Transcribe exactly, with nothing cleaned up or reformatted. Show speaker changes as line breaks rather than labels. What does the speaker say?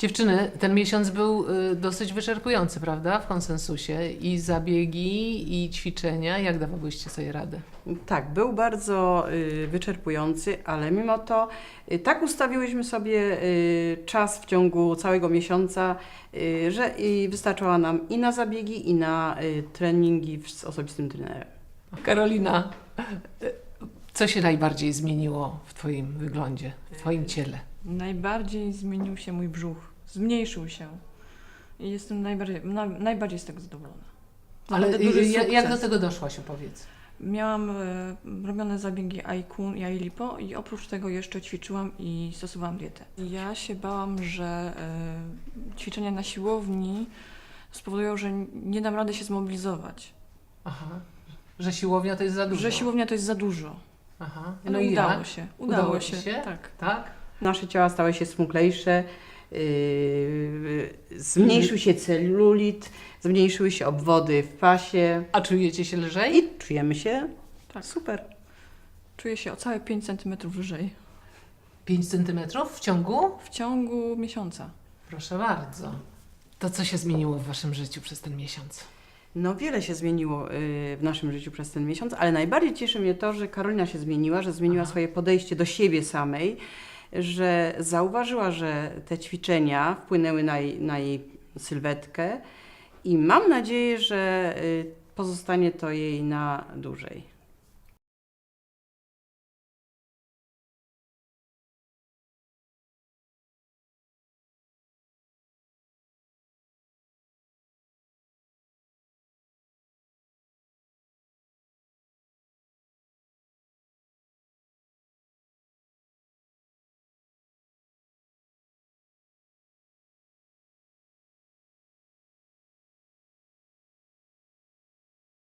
Dziewczyny, ten miesiąc był y, dosyć wyczerpujący, prawda? W konsensusie. I zabiegi, i ćwiczenia. Jak dawałyście sobie radę?
Tak, był bardzo y, wyczerpujący, ale mimo to y, tak ustawiłyśmy sobie y, czas w ciągu całego miesiąca, y, że y, wystarczała nam i na zabiegi, i na y, treningi w- z osobistym trenerem.
Karolina, y, co się najbardziej zmieniło w Twoim wyglądzie, w Twoim ciele?
Najbardziej zmienił się mój brzuch. Zmniejszył się. I jestem najbardziej, na, najbardziej z tego zadowolona.
Ale
Naprawdę duży
y, jak, jak do
sukces.
tego doszłaś, opowiedz.
Miałam e, robione zabiegi Aikun i Ailipo i oprócz tego jeszcze ćwiczyłam i stosowałam dietę. Ja się bałam, że e, ćwiczenia na siłowni spowodują, że nie dam rady się zmobilizować.
Aha. Że siłownia to jest za dużo.
Że siłownia to jest za dużo.
Aha.
Ale
No i
udało
jak?
się. Udało,
Udało ci
się.
się?
Tak.
Tak?
Nasze ciała stały się smuklejsze, yy, zmniejszył się celulit, zmniejszyły się obwody w pasie
A czujecie się lżej?
i czujemy się
Tak.
super.
Czuję się o całe pięć centymetrów lżej.
pięć centymetrów w ciągu?
W ciągu miesiąca.
Proszę bardzo. To co się zmieniło w Waszym życiu przez ten miesiąc?
No wiele się zmieniło y, w naszym życiu przez ten miesiąc, ale najbardziej cieszy mnie to, że Karolina się zmieniła, że zmieniła
Aha.
swoje podejście do siebie samej, że zauważyła, że te ćwiczenia wpłynęły na jej, na jej sylwetkę i mam nadzieję, że y, pozostanie to jej na dłużej.